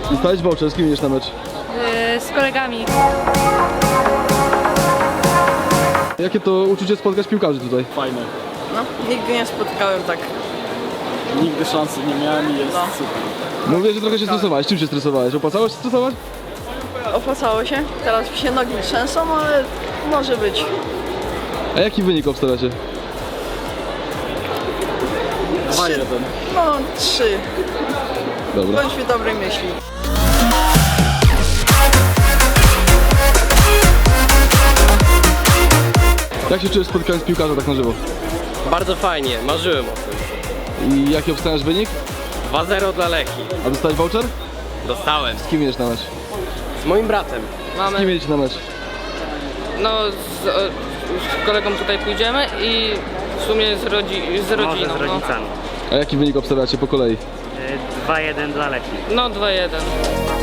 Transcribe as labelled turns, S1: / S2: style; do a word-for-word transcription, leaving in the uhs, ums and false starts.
S1: Dostałeś voucher, z kim idziesz na mecz?
S2: Yy, z kolegami.
S1: Jakie to uczucie spotkać piłkarzy tutaj?
S3: Fajne.
S4: No, nigdy nie spotkałem tak.
S3: Nigdy szansy nie miałem i jest
S4: No.
S3: super.
S1: Mówię, że trochę się stresowałeś. Czym się stresowałeś? Opłacało się stresować?
S4: Opłacało się. Teraz mi się nogi trzęsą, ale może być.
S1: A jaki wynik obstawiacie?
S3: dwa jeden.
S4: No, trzy.
S1: Dobra.
S4: Bądźmy dobrej myśli.
S1: Jak się czujesz spotkając piłkarza tak na żywo?
S5: Bardzo fajnie, marzyłem o tym.
S1: I jaki obstawiasz wynik?
S5: dwa zero dla Lechii.
S1: A dostałeś voucher?
S5: Dostałem.
S1: Z kim idziesz na mecz?
S5: Z moim bratem.
S1: Z kim jedziecie na mecz?
S6: No, z, e, z kolegą tutaj pójdziemy i w sumie z, rodzi z rodziną.
S7: Może z rodzicami.
S1: A jaki wynik obstawiacie po kolei?
S7: dwa jeden dla Lechii.
S6: No, no dwa jeden.